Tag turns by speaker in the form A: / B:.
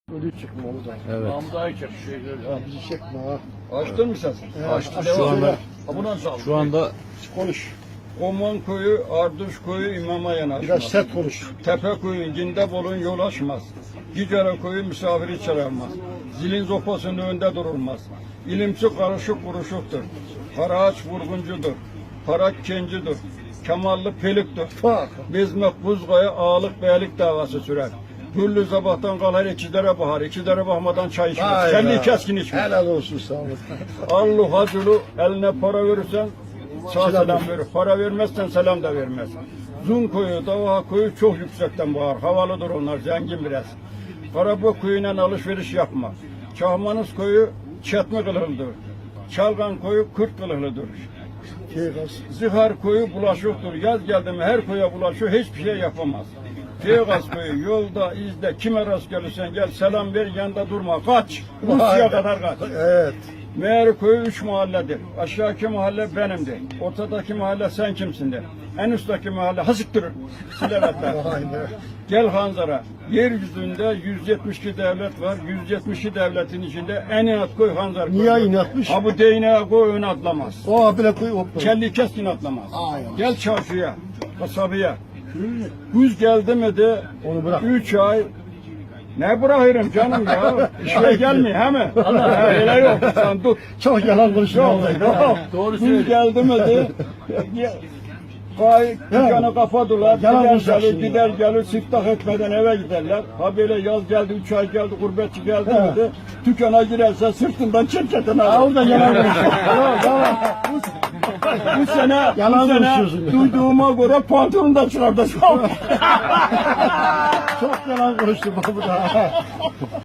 A: Ölü çıkma o da.
B: Evet.
C: Namdayı çek.
A: Ya bizi çekme ha.
C: Açtın mı sen?
A: Açtım.
B: Şu anda
C: Buna sağ
B: şu anda
A: Konuş.
C: Koman koyu, Arduş koyu imama yanaşmaz.
A: Biraz sert konuş.
C: Tepe koyu, Cindebol'un yol açmaz. Gicere koyu misafiri çağırmaz. Zilin zopasının önünde durulmaz. İlimsi karışık kuruşuktur. Para aç vurguncudur. Para kencidir. Kemallı peliktir.
A: Bak.
C: Bezmek buzgaya ağalık beylik davası sürer. Güllü sabahtan kalır ikidere bahar. İkidere bakmadan çay içmez.
A: Vay
C: Kendi
A: be.
C: keskin içmez.
A: Helal olsun sağ olun.
C: Allu haculu eline para verirsen sağ
A: Selam
C: selam verir. Para vermezsen selam da vermez. Zun koyu, Davaha koyu çok yüksekten bağır. Havalıdır onlar, zengin biraz. Karabok koyuyla alışveriş yapma. Çahmanız koyu çetme kılıklıdır. Çalgan koyu kurt kılıklıdır. Zihar koyu bulaşıktır. Yaz geldi mi her koya bulaşıyor, hiçbir şey yapamaz. Teygaz koyu yolda, izde, kime rast gelirsen gel selam ver, yanında durma, kaç. Rusya'ya kadar kaç.
A: Evet.
C: Meğer koyu 3 mahalledir. Aşağıdaki mahalle benimdir. Ortadaki mahalle sen kimsindir. En üstteki mahalle hasıktır. Silevetler.
A: Vay be.
C: Gel Hanzara. Yeryüzünde 172 devlet var. 172 devletin içinde en inat koy Hanzar koy.
A: Niye inatmış?
C: Ha bu değneğe koy ön atlamaz.
A: O abile koy hopla.
C: Kelli keskin atlamaz.
A: Aynen.
C: Gel çarşıya, kasabaya. Güz geldi mi de
A: Onu bırak.
C: 3 ay ne bırakırım canım ya? İşe gelmiyor he mi? Öyle yok. Sen tut.
A: Çok yalan konuşuyor.
C: Yok.
B: Doğru
C: Güz geldi mi de dükkanı kapadılar.
A: Yalan
C: Gider
A: konuşacaksın
C: gelir,
A: ya.
C: gider gelir, siftah etmeden eve giderler. Ha böyle yaz geldi, 3 ay geldi, gurbetçi geldi mi de dükkana girerse sırtından çirketen alır.
A: Orada yalan konuşuyor.
C: Bu sene,
A: Yalan
C: bu sene
A: konuşuyorsun.
C: duyduğuma göre pantolonu da çıkardı.
A: Çok yalan konuştu bu da.